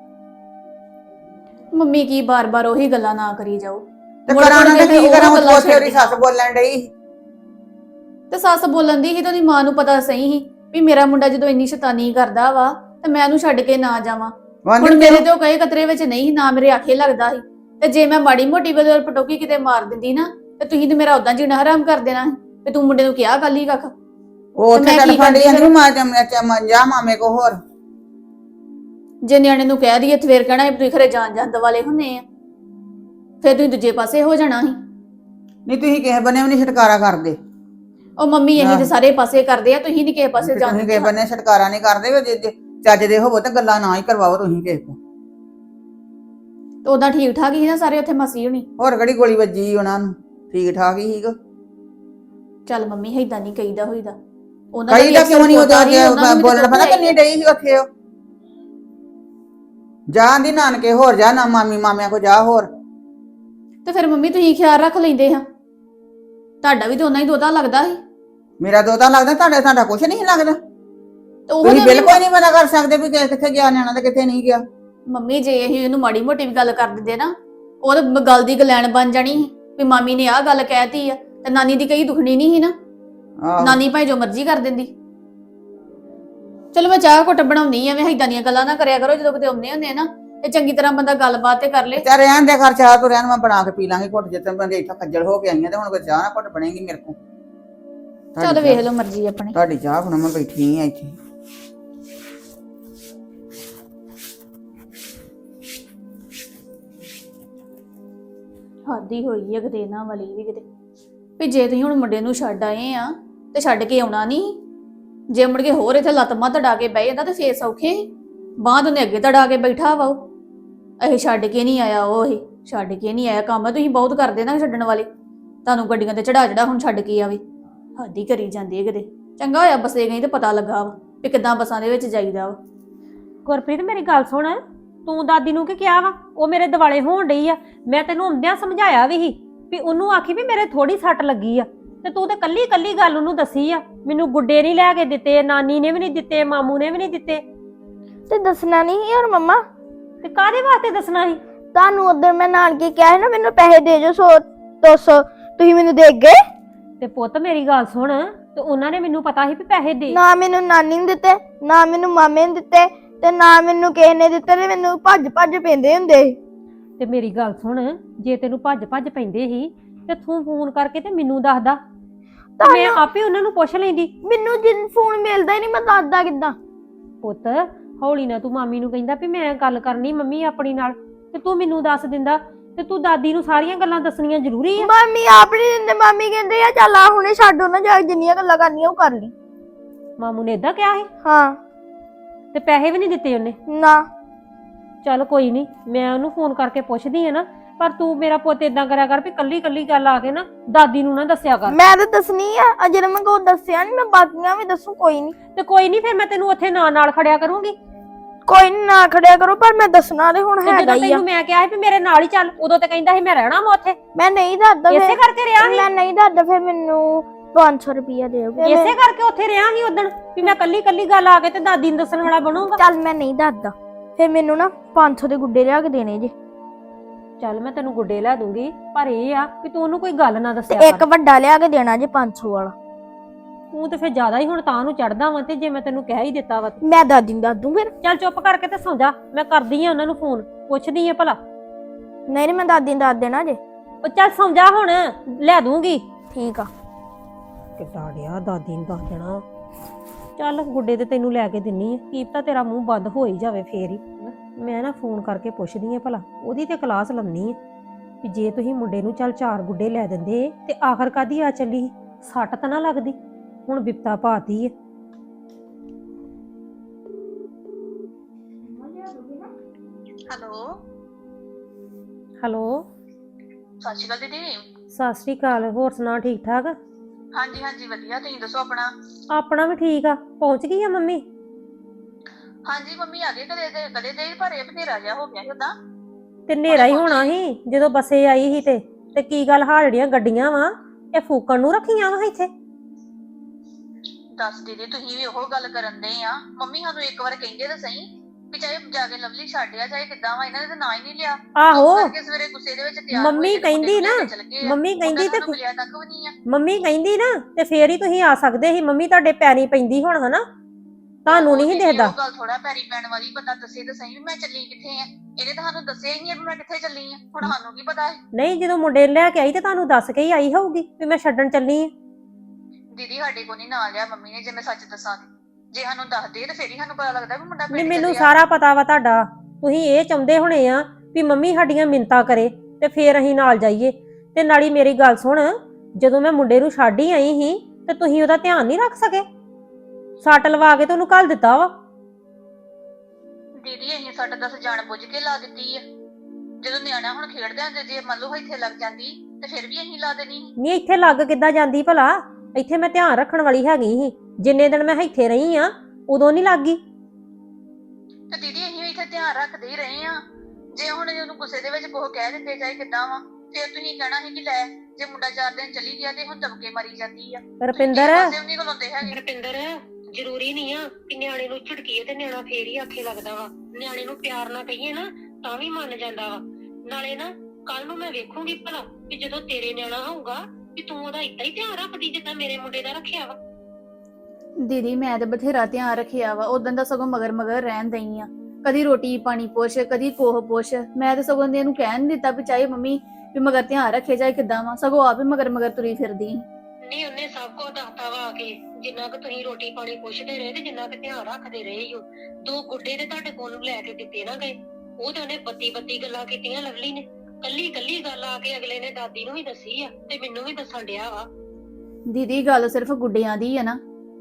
S2: ਮੰਮੀ ਕੀ ਬਾਰ-ਬਾਰ ਉਹੀ ਗੱਲਾਂ ਨਾ ਕਰੀ ਜਾਓ।
S1: ਤੇ
S2: ਮੁੜ
S1: ਕਰਾਣਾ
S2: ਮੁੜ
S1: ਤੇ
S2: ਕੇ
S1: ਕੀ
S2: ਉਹ
S1: ਕਰਾਂ?
S2: ਗੱਲਾਂ
S1: ਉੱਥੇ ਉਹਦੀ
S2: ਛੱਡਦੀਆਂ।
S1: ਸੱਸ ਬੋਲਣ ਡਈ।
S2: ਤੇ ਸੱਸ ਬੋਲਣ ਦੀ ਸੀ ਤੇ ਉਹਦੀ ਮਾਂ ਨੂੰ ਪਤਾ ਸਹੀ ਸੀ ਵੀ ਮੇਰਾ ਮੁੰਡਾ ਜਦੋਂ ਇੰਨੀ ਸ਼ੈਤਾਨੀ ਕਰਦਾ ਵਾ ਤੇ ਮੈਂ ਉਹਨੂੰ ਛੱਡ ਕੇ ਨਾ ਜਾਵਾਂ। ਹੁਣ ਮੇਰੇ ਤੇ ਉਹ ਕਹੇ ਕਤਰੇ ਵਿੱਚ ਨਹੀਂ, ਨਾ ਮੇਰੇ ਆਖੇ ਲੱਗਦਾ ਸੀ। ਤੇ ਜੇ ਮੈਂ ਮਾੜੀ ਮੋਟੀ ਬਦਲ ਪਟੋਕੀ ਕਿਤੇ ਮਾਰ ਦਿੰਦੀ ਨਾ ਤੇ ਤੁਸੀਂ ਤੇ ਮੇਰਾ ਉਦਾਂ ਜੀਣਾ ਹਰਾਮ ਕਰ ਦੇਣਾ ਸੀ ਤੇ ਤੂੰ ਮੁੰਡੇ ਨੂੰ ਕਿਹਾ ਗੱਲ ਹੀ ਕੱਖ।
S1: ਉਹ ਉੱਥੇ
S2: ਮੈਂ ਕੀ
S1: ਤੜਫਣ ਡਈ
S2: ਕਰਦੀ
S1: ਜਾਂਦੀ ਮਾਂ ਜਾ ਮਾਮੇ ਕੋ ਹੋਰ।
S2: ਜੇ ਨਿਆਣੇ ਨੂੰ ਕਹਿ ਦਈਏ ਫੇਰ ਕਹਿਣਾ ਇਹ ਤੁਸੀਂ ਖਰੇ ਜਾਣ ਵਾਲੇ ਹੁੰਨੇ ਆ, ਫਿਰ ਤੁਸੀਂ ਦੂਜੇ ਪਾਸੇ ਹੋ ਜਾਣਾ ਸੀ।
S1: ਨਹੀਂ ਤੁਸੀਂ ਕਿਸੇ ਬੰਨੇ ਵੀ ਨਹੀਂ ਛਟਕਾਰਾ ਕਰਦੇ।
S2: ਉਹ ਮੰਮੀ ਇਹੀ ਤੇ ਸਾਰੇ ਪਾਸੇ ਕਰਦੇ ਆ, ਤੁਸੀਂ ਨਹੀਂ ਕਿਸੇ ਪਾਸੇ
S1: ਤੁਸੀਂ
S2: ਜਾਂਦੇ।
S1: ਕਿਸੇ ਬੰਨੇ ਛਟਕਾਰਾ ਨਹੀਂ ਕਰਦੇ। ਜੇ ਚੱਜ ਦੇ ਹੋਵੋ ਤੇ ਗੱਲਾਂ ਨਾ ਹੀ ਕਰਵਾਓ ਤੁਸੀਂ ਕਿਸੇ ਕੋ।
S2: ਤੇ ਉਦਾਂ ਠੀਕ ਠਾਕ ਹੀ ਨਾ ਸਾਰੇ ਉੱਥੇ ਮਾਸੀ ਹੋਣੀ।
S1: ਹੋਰ ਕਿਹੜੀ ਗੋਲੀ ਵੱਜੀ ਉਹਨਾਂ ਨੂੰ? ਠੀਕ ਠਾਕ ਹੀ ਸੀਗਾ।
S2: ਚੱਲ ਮੰਮੀ ਏਦਾਂ ਨਹੀਂ ਕਹੀਦਾ ਹੋਈਦਾ। ਉਹਨਾਂ
S1: ਕਈ ਦਾ ਕਿਉਂ ਨਹੀਂ ਉਹਦਾ ਬੋਲਣ ਪਤਾ
S2: ਕਿ
S1: ਕਿੰਨੀ ਡਈ ਸੀ ਉੱਥੇ ਉਹ। ਜਾਂਦੀ ਨਾਨਕੇ ਹੋਰ ਜਾ, ਨਾ ਮਾਮਿਆਂ ਕੋ ਜਾ ਹੋਰ।
S2: ਤੇ ਫਿਰ ਮੰਮੀ ਤੁਸੀਂ ਖਿਆਲ ਰੱਖ ਲੈਂਦੇ ਹਾਂ। ਤੁਹਾਡਾ ਵੀ ਤਾਂ ਉਹਨਾਂ ਹੀ ਦੋਤਾ ਲੱਗਦਾ ਸੀ।
S1: ਮੇਰਾ ਦੋਤਾ ਲੱਗਦਾ, ਤੁਹਾਡਾ ਕੁਛ ਨਹੀਂ ਲੱਗਦਾ।
S2: ਤੇ ਉਹ
S1: ਤੁਸੀਂ ਬਿਲਕੁਲ ਨਹੀਂ ਪਤਾ ਕਰ ਸਕਦੇ ਵੀ ਕਿੱਥੇ ਗਿਆ ਨਿਆਣਾ ਤੇ ਕਿੱਥੇ ਨਹੀਂ ਗਿਆ।
S2: ਮੰਮੀ ਜੇ ਅਸੀਂ ਇਹਨੂੰ ਮਾੜੀ ਮੋਟੀ ਵੀ ਗੱਲ ਕਰ ਦਿੰਦੇ ਨਾ, ਉਹ ਤਾਂ ਗੱਲ ਦੀ ਗਲੈਣ ਬਣ ਜਾਣੀ ਸੀ ਵੀ ਮਾਮੀ ਨੇ ਆਹ ਗੱਲ ਕਹਿਤੀ ਆ ਤੇ ਨਾਨੀ ਦੀ ਕਈ ਦੁਖਣੀ ਨਹੀਂ ਸੀ ਨਾ। ਨਾਨੀ ਭਾਵੇਂ ਜੋ ਮਰਜ਼ੀ ਕਰ ਦਿੰਦੀ। ਚਲੋ ਮੈਂ ਚਾਹ ਘੁੱਟ ਬਣਾਉਣੀ ਆ। ਮੈਂ ਏਦਾਂ ਦੀਆਂ ਗੱਲਾਂ ਨਾ ਕਰਿਆ ਕਰੋ ਜਦੋਂ ਕਿਤੇ ਆਉਂਦੇ ਹੁੰਦੇ ਨਾ ਤੇ ਚੰਗੀ ਤਰ੍ਹਾਂ ਬੰਦਾ ਗੱਲਬਾਤ ਤੇ ਕਰ ਲੇ।
S1: ਚੱਲ ਰਹਿਣ ਦੇ ਘਰ, ਚਾਹ ਤੋਂ ਰਹਿਣ ਮੈਂ ਬਣਾ ਕੇ ਪੀ ਲਾਂਗੀ ਘੁੱਟ। ਜਿੱਥੇ ਮੈਂ ਇੱਥੋਂ ਖੱਜਲ ਹੋ ਕੇ ਆਈ ਆ ਤੇ ਹੁਣ ਕੋਈ ਚਾਹ ਨਾ ਘੁੱਟ ਬਣੇਗੀ ਮੇਰੇ ਕੋਲ।
S2: ਚੱਲ ਵੇਖ ਲਓ ਮਰਜ਼ੀ ਆਪਣੀ।
S1: ਤੁਹਾਡੀ ਚਾਹ ਹੁਣ ਮੈਂ ਬੈਠੀ ਆ ਇੱਥੇ।
S2: ਹਾਦੀ ਹੋਈ ਆ ਕਿਤੇ ਇਹਨਾਂ ਵਾਲੀ ਵੀ ਕਿਤੇ ਵੀ ਜੇ ਤੁਸੀਂ ਹੁਣ ਮੁੰਡੇ ਨੂੰ ਛੱਡ ਆਏ ਆ ਤੇ ਛੱਡ ਕੇ ਆਉਣਾ ਨਹੀਂ। ਜੇ ਮੁੜ ਕੇ ਹੋਰ ਇੱਥੇ ਲੱਤ ਮੱਤ ਡਾ ਕੇ ਬਹਿ ਜਾਂਦਾ ਤੇ ਫੇਰ ਸੌਖੇ ਬਾਂਹ ਉਹਨੇ ਅੱਗੇ ਤੜਾ ਕੇ ਬੈਠਾ ਵਾ ਉਹ। ਇਹ ਛੱਡ ਕੇ ਨਹੀਂ ਆਇਆ, ਉਹ ਇਹ ਛੱਡ ਕੇ ਨਹੀਂ ਆਇਆ। ਕੰਮ ਤੁਸੀਂ ਬਹੁਤ ਕਰਦੇ ਨਾ ਛੱਡਣ ਵਾਲੇ। ਤੁਹਾਨੂੰ ਗੱਡੀਆਂ ਤੇ ਚੜਾ ਹੁਣ ਛੱਡ ਕੇ ਆਵੇ। ਹਾਦੀ ਕਰੀ ਜਾਂਦੀ ਹੈ ਕਿਤੇ। ਚੰਗਾ ਹੋਇਆ ਬਸੇ ਗਈ ਤੇ ਪਤਾ ਲੱਗਾ ਵਾ ਵੀ ਕਿੱਦਾਂ ਬੱਸਾਂ ਦੇ ਵਿੱਚ ਜਾਈਦਾ ਵਾ।
S3: ਗੁਰਪ੍ਰੀਤ ਮੇਰੀ ਗੱਲ ਸੁਣ, ਤੂੰ ਦਾਦੀ ਨੂੰ ਕੀ ਕਿਹਾ ਵਾ? ਉਹ ਮੇਰੇ ਦਿਵਾਲੇ ਹੋਣ ਡਈ ਆ। ਮੈਂ ਤੈਨੂੰ ਆਉਂਦਿਆਂ ਸਮਝਾਇਆ ਵੀ ਉਹਨੂੰ ਆਖੀ ਵੀ ਮੇਰੇ ਥੋੜੀ ਸੱਟ ਲੱਗੀ ਆ ਤੇ ਤੂੰ ਤੇ ਕੱਲੀ ਗੱਲ ਉਹਨੂੰ ਦੱਸੀ ਆ। ਮੈਨੂੰ ਗੁੱਡੇ ਨਹੀਂ ਲੈ ਕੇ ਦਿੱਤੇ, ਨਾਨੀ ਨੇ ਵੀ ਨਹੀਂ ਦਿੱਤੇ, ਮਾਮੂ ਨੇ ਵੀ ਨਹੀਂ ਦਿੱਤੇ।
S5: ਤੇ ਦੱਸਣਾ ਨਹੀਂ ਯਾਰ ਮੰਮਾ।
S3: ਤੇ ਕਾਹਦੇ ਵਾਸਤੇ ਦੱਸਣਾ ਸੀ?
S5: ਤੁਹਾਨੂੰ ਉਧਰ ਮੈਂ ਨਾਨਕੇ ਕਿਹਾ ਸੀ ਨਾ ਮੈਨੂੰ ਪੈਸੇ ਦੇ ਜੋ 100 200, ਤੁਸੀਂ ਮੈਨੂੰ ਦੇ ਗਏ?
S3: ਤੇ ਪੁੱਤ ਮੇਰੀ ਗੱਲ ਸੁਣ, ਤੇ ਉਹਨਾਂ ਨੇ ਮੈਨੂੰ ਪਤਾ ਸੀ ਵੀ ਪੈਸੇ ਦੇ।
S5: ਨਾ ਮੈਨੂੰ ਨਾਨੀ ਨੇ ਦਿੱਤੇ, ਨਾ ਮੈਨੂੰ ਮਾਮੇ ਨੇ ਦਿੱਤੇ, ਤੇ ਨਾ ਮੈਨੂੰ ਕਿਸੇ ਨੇ ਦਿੱਤੇ। ਤੇ ਮੈਨੂੰ ਭੱਜ ਪੈਂਦੇ ਹੁੰਦੇ ਸੀ।
S3: ਤੇ ਮੇਰੀ ਗੱਲ ਸੁਣ, ਜੇ ਤੈਨੂੰ ਭੱਜ ਪੈਂਦੇ ਸੀ ਤੇ ਤੂੰ ਫੋਨ ਕਰਕੇ ਤੇ ਮੈਨੂੰ ਦੱਸਦਾ, ਤੇ ਮੈਂ ਆਪੇ ਉਹਨਾਂ ਨੂੰ ਪੁੱਛ ਲੈਂਦੀ।
S5: ਮੈਨੂੰ ਜਿੰਨ ਫੋਨ ਮਿਲਦਾ ਹੀ ਨਹੀਂ, ਮੈਂ ਦੱਸਦਾ ਕਿੱਦਾਂ?
S3: ਪੁੱਤ ਹੌਲੀ ਨਾ ਤੂੰ ਮਾਮੀ ਨੂੰ ਕਹਿੰਦਾ ਵੀ ਮੈਂ ਗੱਲ ਕਰਨੀ ਮੰਮੀ ਆਪਣੀ ਨਾਲ, ਤੇ ਤੂੰ ਮੈਨੂੰ ਦੱਸ ਦਿੰਦਾ। ਤੇ ਤੂੰ ਦਾਦੀ ਨੂੰ ਸਾਰੀਆਂ ਗੱਲਾਂ ਦੱਸਣੀਆਂ ਜ਼ਰੂਰੀ ਆ?
S5: ਮਾਮੀ ਆਪ ਨਹੀਂ ਦਿੰਦੇ। ਮਾਮੀ ਕਹਿੰਦੇ ਆ ਚੱਲ ਆ ਹੁਣੇ ਛੱਡੋ ਨਾ, ਜਾ ਜਿੰਨੀਆਂ ਗੱਲਾਂ ਕਰਨੀਆਂ ਉਹ ਕਰ ਲਈ।
S3: ਮਾਮੂ ਨੇ ਏਦਾਂ ਕਿਹਾ ਸੀ?
S5: ਹਾਂ।
S3: ਤੇ ਪੈਸੇ ਵੀ ਨਹੀਂ ਦਿੱਤੇ ਉਹਨੇ?
S5: ਨਾ।
S3: ਚੱਲ ਕੋਈ ਨਹੀਂ, ਮੈਂ ਉਹਨੂੰ ਫੋਨ ਕਰਕੇ ਪੁੱਛਦੀ ਆ ਨਾ। ਪਰ ਤੂੰ ਮੇਰਾ ਪੁੱਤ ਏਦਾਂ ਕਰਿਆ ਕਰ ਵੀ ਕੱਲੀ ਗੱਲ ਆ ਕੇ ਨਾ ਦਾਦੀ ਨੂੰ ਨਾ ਦੱਸਿਆ ਕਰ।
S5: ਮੈਂ ਤਾਂ ਦੱਸਣੀ ਆ, ਅਜੇ ਮੈਂ ਕੋ ਦੱਸਿਆ ਨਹੀਂ। ਮੈਂ ਬਾਕੀਆਂ ਵੀ ਦੱਸੂ, ਕੋਈ ਨਹੀਂ।
S3: ਤੇ ਕੋਈ ਨਹੀਂ, ਫਿਰ ਮੈਂ ਤੈਨੂੰ ਉੱਥੇ ਨਾਲ ਖੜਿਆ ਕਰੂੰਗੀ।
S5: ਕੋਈ ਨੀ, ਨਾ ਖੜਿਆ ਕਰੋ, ਪਰ ਮੈਂ ਦੱਸਣਾ ਤੇ ਹੁਣ ਹੈਗਾ
S3: ਜਦੋਂ
S5: ਹੀ ਆ।
S3: ਤੈਨੂੰ ਮੈਂ ਕਿਹਾ ਸੀ ਵੀ ਮੇਰੇ ਨਾਲ ਹੀ ਚੱਲ, ਉਦੋਂ ਤੇ ਕਹਿੰਦਾ ਸੀ ਮੈਂ ਰਹਿਣਾ ਵਾ ਉੱਥੇ।
S5: ਮੈਂ ਨਹੀਂ ਦੱਸਦਾ।
S3: ਇਸੇ ਕਰਕੇ ਰਿਹਾ ਸੀ।
S5: ਮੈਂ ਨਹੀਂ ਦੱਸਦਾ, ਫਿਰ ਮੈਨੂੰ 500 ਰੁਪਇਆ ਦਿਓਗੇ।
S3: ਇਸੇ ਕਰਕੇ ਉੱਥੇ ਰਿਹਾ ਸੀ ਉਦਣ ਵੀ ਮੈਂ ਕੱਲੀ ਗੱਲ ਆ ਕੇ ਤੇ ਦਾਦੀ ਨੂੰ ਦੱਸਣ ਵਾਲਾ ਬਣੂਗਾ।
S5: ਚੱਲ ਮੈਂ ਨਹੀਂ ਦੱਸਦਾ, ਫਿਰ ਮੈਨੂੰ ਨਾ 500 ਦੇ ਗੁੱਡੇ ਲਿਆ ਕੇ ਦੇਣੇ ਜੇ।
S3: ਚੱਲ ਮੈਂ ਤੈਨੂੰ ਗੁੱਡੇ ਲੈ ਦੂੰਗੀ, ਪਰ ਇਹ ਆ ਕਿ ਤੂੰ ਉਹਨੂੰ ਕੋਈ ਗੱਲ ਨਾ ਦੱਸਿਆ
S5: ਤੇ ਇੱਕ ਵੱਡਾ ਲਿਆ ਕੇ ਦੇਣਾ ਜੇ 500 ਵਾਲਾ।
S3: ਤੂੰ ਤੇ ਫਿਰ ਜ਼ਿਆਦਾ ਹੀ ਹੁਣ ਤਾਂ ਨੂੰ ਚੜਦਾ ਵਾ, ਤੇ ਜੇ ਮੈਂ ਤੈਨੂੰ ਕਹਿ ਹੀ ਦਿੱਤਾ ਵਾ
S5: ਮੈਂ ਦਾਦੀ ਨੂੰ ਦੱਸ ਦੂੰ ਫਿਰ।
S3: ਚੱਲ ਚੁੱਪ ਕਰਕੇ ਤੇ ਸੌਂ ਜਾ, ਮੈਂ ਕਰਦੀ ਆ ਉਹਨਾਂ ਨੂੰ ਫੋਨ, ਪੁੱਛਦੀ ਆ ਭਲਾ।
S5: ਨਹੀਂ ਮੈਂ ਦਾਦੀ ਨੂੰ ਦੱਸ ਦੇਣਾ ਜੇ।
S3: ਉਹ ਚੱਲ ਸੌਂ ਜਾ ਹੁਣ, ਲੈ ਦੂੰਗੀ।
S5: ਠੀਕ ਆ।
S3: ਕਿੱਡਾ ਡਿਆ ਦਾਦੀ ਨੂੰ ਦੱਸ ਦੇਣਾ। ਚੱਲ ਗੁੱਡੇ ਤੇ ਤੈਨੂੰ ਲੈ ਕੇ ਦਿੰਨੀ ਆ, ਕੀ ਪਤਾ ਤੇਰਾ ਮੂੰਹ ਬੰਦ ਹੋ ਹੀ ਜਾਵੇ ਫੇਰ ਹੀ। ਮੈਂ ਨਾ ਫੋਨ ਕਰਕੇ ਪੁੱਛਦੀ ਆ ਭਲਾ, ਉਹਦੀ ਤੇ ਕਲਾਸ ਲੰਮੀ ਆ ਵੀ ਜੇ ਤੁਸੀਂ ਮੁੰਡੇ ਨੂੰ ਚੱਲ 4 ਗੁੱਡੇ ਲੈ ਦਿੰਦੇ ਤੇ ਆਖਰ ਕਾਦੀ ਆ ਚੱਲੀ, ਸੱਟ ਤਾਂ ਨਾ ਲੱਗਦੀ। ਹੁਣ ਬਿਪਤਾ ਪਾਤੀ ਆ।
S6: ਹੈਲੋ,
S3: ਹੈਲੋ,
S6: ਸਤਿ ਸ਼੍ਰੀ ਅਕਾਲ ਦੀਦੀ।
S3: ਸਤਿ ਸ੍ਰੀ ਅਕਾਲ। ਹੋਰ ਸੁਣਾ, ਠੀਕ ਠਾਕ?
S6: ਹਾਂਜੀ ਹਾਂਜੀ ਵਧੀਆ, ਤੁਸੀਂ ਦੱਸੋ ਆਪਣਾ।
S3: ਆਪਣਾ ਵੀ ਠੀਕ ਆ। ਪਹੁੰਚ ਗਈ ਆ ਮੰਮੀ?
S6: ਹਾਂਜੀ ਮੰਮੀ ਆ ਗਏ, ਕਦੇ ਦੇ ਪਰ ਇਹ ਬਥੇਰਾ ਜਿਹਾ ਹੋ ਗਿਆ ਸੀ ਉਦਾਂ।
S3: ਤੇ ਹਨੇਰਾ ਹੀ ਹੋਣਾ ਸੀ ਜਦੋਂ ਬੱਸੇ ਆਈ ਸੀ। ਤੇ ਕੀ ਗੱਲ, ਹਾਲ ਜਿਹੜੀਆਂ ਗੱਡੀਆਂ ਵਾ ਇਹ ਫੂਕਣ ਨੂੰ ਰੱਖੀਆਂ ਵਾ ਇੱਥੇ?
S6: ਦੱਸ ਦੀਦੀ, ਤੁਸੀਂ ਵੀ ਉਹ ਗੱਲ ਕਰਨ ਦੇ ਆ। ਮੰਮੀ ਸਾਨੂੰ ਇੱਕ ਵਾਰ ਕਹਿੰਦੇ ਤਾਂ ਸਹੀ ਵੀ ਚਾਹੇ ਜਾ ਕੇ ਲਵਲੀ ਛੱਡਿਆ ਚਾਹੇ ਕਿੱਦਾਂ ਵਾ, ਇਹਨਾਂ ਨੇ ਤਾਂ ਨਾਂ ਹੀ ਨਹੀਂ ਲਿਆ।
S3: ਆਹੋ,
S6: ਕਰਕੇ ਸਵੇਰੇ ਗੁੱਸੇ ਦੇ ਵਿੱਚ ਤਿਆਰ
S3: ਮੰਮੀ
S6: ਹੋਏ ਤੇ
S3: ਕਹਿੰਦੀ
S6: ਮੁੰਡੇ ਨੂੰ
S3: ਨਾ,
S6: ਲੈ ਕੇ ਚਲੇ ਗਏ ਆ।
S3: ਮੰਮੀ ਕਹਿੰਦੀ
S6: ਮੁੰਡਾ
S3: ਤੇ
S6: ਸਾਨੂੰ ਮਿਲਿਆ ਤੱਕ ਵੀ ਨਹੀਂ ਆ।
S3: ਮੰਮੀ ਕਹਿੰਦੀ ਨਾ ਤੇ ਫੇਰ ਹੀ ਤੁਸੀਂ ਆ ਸਕਦੇ ਸੀ। ਮੰਮੀ ਤੁਹਾਡੇ ਪੈਰੀ ਪੈਂਦੀ ਹੁਣ, ਹਨਾ? ਤੁਹਾਨੂੰ ਨਹੀਂ
S6: ਦੀਦੀ,
S3: ਦੇਖਦਾ।
S6: ਉਹ ਗੱਲ ਥੋੜਾ ਪੈਰੀ ਪੈਣ ਵਾਲੀ, ਬੰਦਾ ਦੱਸੇ ਤਾਂ ਸਹੀ ਵੀ ਮੈਂ ਚੱਲੀ ਕਿੱਥੇ ਆ। ਇਹਨੇ ਤਾਂ ਸਾਨੂੰ ਦੱਸਿਆ ਹੀ ਨਹੀਂ ਵੀ ਮੈਂ ਕਿੱਥੇ ਚੱਲੀ ਆ। ਹੁਣ ਸਾਨੂੰ ਕੀ ਪਤਾ ਹੈ?
S3: ਨਹੀਂ, ਜਦੋਂ ਮੁੰਡੇ ਨੂੰ ਲੈ ਕੇ ਆਈ ਤੇ ਤੁਹਾਨੂੰ ਦੱਸ ਕੇ ਹੀ ਆਈ ਹੋਊਗੀ ਵੀ ਮੈਂ ਛੱਡਣ ਚੱਲੀ ਆ।
S6: ਦੀਦੀ ਸਾਡੇ ਕੋਲ ਨਹੀਂ ਨਾਲ ਲਿਆ ਮੰਮੀ ਨੇ, ਜੇ ਮੈਂ ਸੱਚ ਦੱਸਾਂ ਤੇ। ਜੇ ਸਾਨੂੰ ਦੱਸਦੇ ਤੇ ਫੇਰ ਹੀ ਸਾਨੂੰ ਪਤਾ ਲੱਗਦਾ ਵੀ ਮੁੰਡਾ
S3: ਨਹੀਂ,
S6: ਪਿੰਡ
S3: ਮੈਨੂੰ
S6: ਚੱਲਿਆ।
S3: ਸਾਰਾ ਪਤਾ ਵਾ ਤੁਹਾਡਾ। ਤੁਸੀਂ ਇਹ ਚਾਹੁੰਦੇ ਹੋਣੇ ਆ ਵੀ ਮੰਮੀ ਸਾਡੀਆਂ ਮਿੰਨਤਾਂ ਕਰੇ ਤੇ ਫੇਰ ਅਸੀਂ ਨਾਲ ਜਾਈਏ। ਤੇ ਨਾਲੀ ਮੇਰੀ ਗੱਲ ਸੁਣ, ਜਦੋਂ ਮੈਂ ਮੁੰਡੇ ਨੂੰ ਛੱਡ ਹੀ ਆਈ ਸੀ ਤੇ ਤੁਸੀਂ ਉਹਦਾ ਧਿਆਨ ਨਹੀਂ ਰੱਖ ਸਕੇ? ਸੱਟ ਲਵਾ ਕੇ ਤੇ ਉਹਨੂੰ ਘੱਲ ਦਿੱਤਾ ਵਾ।
S6: ਦੀਦੀ ਅਸੀਂ ਸਾਡਾ 10 ਜਾਣ ਬੁੱਝ ਕੇ ਲਾ ਦਿੱਤੀ ਆ। ਜਦੋਂ ਨਿਆਣਾ ਹੁਣ ਖੇਡਦੇ ਹੁੰਦੇ, ਜੇ ਮੰਨ ਲਓ ਇੱਥੇ ਲੱਗ ਜਾਂਦੀ ਤੇ ਫਿਰ ਵੀ ਅਸੀਂ ਲਾ ਦੇਣੀ ਸੀ।
S3: ਨਹੀਂ, ਇੱਥੇ ਲੱਗ ਕਿੱਦਾਂ ਜਾਂਦੀ ਭਲਾ? ਇੱਥੇ ਮੈਂ ਧਿਆਨ ਰੱਖਣ ਵਾਲੀ ਹੈਗੀ ਸੀ। ਜਿੰਨੇ ਦਿਨ ਮੈਂ ਇੱਥੇ ਰਹੀ ਆ ਉਦੋਂ ਨਹੀਂ ਲੱਗ ਗਈ।
S6: ਤੇ ਦੀਦੀ ਅਸੀਂ ਵੀ ਇੱਥੇ ਧਿਆਨ ਰੱਖਦੇ ਹੀ ਰਹੇ ਆ। ਜੇ ਹੁਣ ਉਹਨੂੰ ਗੁੱਸੇ ਦੇ ਵਿੱਚ ਕੁਝ ਕਹਿ ਦਿੰਦੇ ਚਾਹੇ ਕਿੱਦਾਂ ਵਾ, ਫਿਰ ਤੁਸੀਂ ਕਹਿਣਾ ਸੀ ਕਿ ਲੈ ਜੇ ਮੁੰਡਾ 4 ਦਿਨ ਚਲੀ ਗਿਆ ਤੇ ਹੁਣ ਦਬਕੇ ਮਾਰੀ ਜਾਂਦੀ ਆ।
S3: ਰੁਪਿੰਦਰ,
S6: ਰੁਪਿੰਦਰ
S3: ਜ਼ਰੂਰੀ ਨਹੀਂ ਆ ਕਿ ਨਿਆਣੇ ਨੂੰ ਝਟਕੀਏ ਤੇ ਨਿਆਣਾ ਫੇਰ ਹੀ ਆਖੇ ਲੱਗਦਾ ਵਾ। ਨਿਆਣੇ ਨੂੰ ਪਿਆਰ ਨਾਲ ਕਹੀਏ ਨਾ ਤਾਂ ਵੀ ਮੰਨ ਜਾਂਦਾ ਵਾ। ਨਾਲੇ ਨਾ ਕੱਲ ਨੂੰ ਮੈਂ ਵੇਖੂੰਗੀ ਭਲਾ ਕਿ ਜਦੋਂ ਤੇਰੇ ਨਿਆਣਾ ਹੋਊਗਾ ਕਿ ਤੂੰ ਉਹਦਾ ਏਦਾਂ ਹੀ ਧਿਆਨ ਰੱਖਦੀ ਜਿੱਦਾਂ ਮੇਰੇ ਮੁੰਡੇ ਦਾ ਰੱਖਿਆ ਵਾ।
S2: ਦੀਦੀ ਮੈਂ ਤੇ ਬਥੇਰਾ ਧਿਆਨ ਰੱਖਿਆ ਵਾ, ਉਦੋਂ ਦਾ ਸਗੋਂ ਮਗਰ ਮਗਰ ਰਹਿਣ ਦਈ ਆ। ਕਦੀ ਰੋਟੀ ਪਾਣੀ ਪੁੱਛ, ਕਦੀ ਕੋਹ ਪੁੱਛ। ਮੈਂ ਤੇ ਸਗੋਂ ਇਹਨੂੰ ਕਹਿ ਨੀ ਦਿੱਤਾ ਵੀ ਚਾਹੇ ਮੰਮੀ ਵੀ ਮਗਰ ਧਿਆਨ ਰੱਖੇ ਜਾਏ ਕਿੱਦਾਂ ਵਾ, ਸਗੋਂ ਆਪ ਹੀ ਮਗਰ ਮਗਰ ਤੁਰੀ ਫਿਰਦੀ।
S3: ਨਹੀਂ, ਉਹਨੇ ਸਭ ਕੁਝ ਦੱਸਤਾ ਵਾ ਕੇ, ਜਿੰਨਾ ਕੁ ਤੁਸੀਂ ਰੋਟੀ ਪਾਣੀ ਪੁੱਛਦੇ ਰਹੇ ਤੇ ਜਿੰਨਾ ਕੁ ਧਿਆਨ ਰੱਖਦੇ ਰਹੇ ਹੋ। 2 ਗੁੱਡੇ ਤੇ ਤੁਹਾਡੇ ਕੋਲ ਨੂੰ ਲੈ ਕੇ ਦਿੱਤੇ ਨਾ ਗਏ, ਉਹ ਤੇ ਉਹਨੇ ਬੱਤੀ ਗੱਲਾਂ ਕੀਤੀਆਂ ਲਵਲੀ ਨੇ। ਕੱਲੀ ਗੱਲ ਆ ਕੇ ਅਗਲੇ ਨੇ ਦਾਦੀ ਨੂੰ ਵੀ ਦੱਸੀ ਆ ਤੇ ਮੈਨੂੰ ਵੀ ਦੱਸਣ ਡਿਆ ਵਾ।
S2: ਦੀਦੀ ਗੱਲ ਸਿਰਫ ਗੁੱਡਿਆਂ ਦੀ ਆ ਨਾ,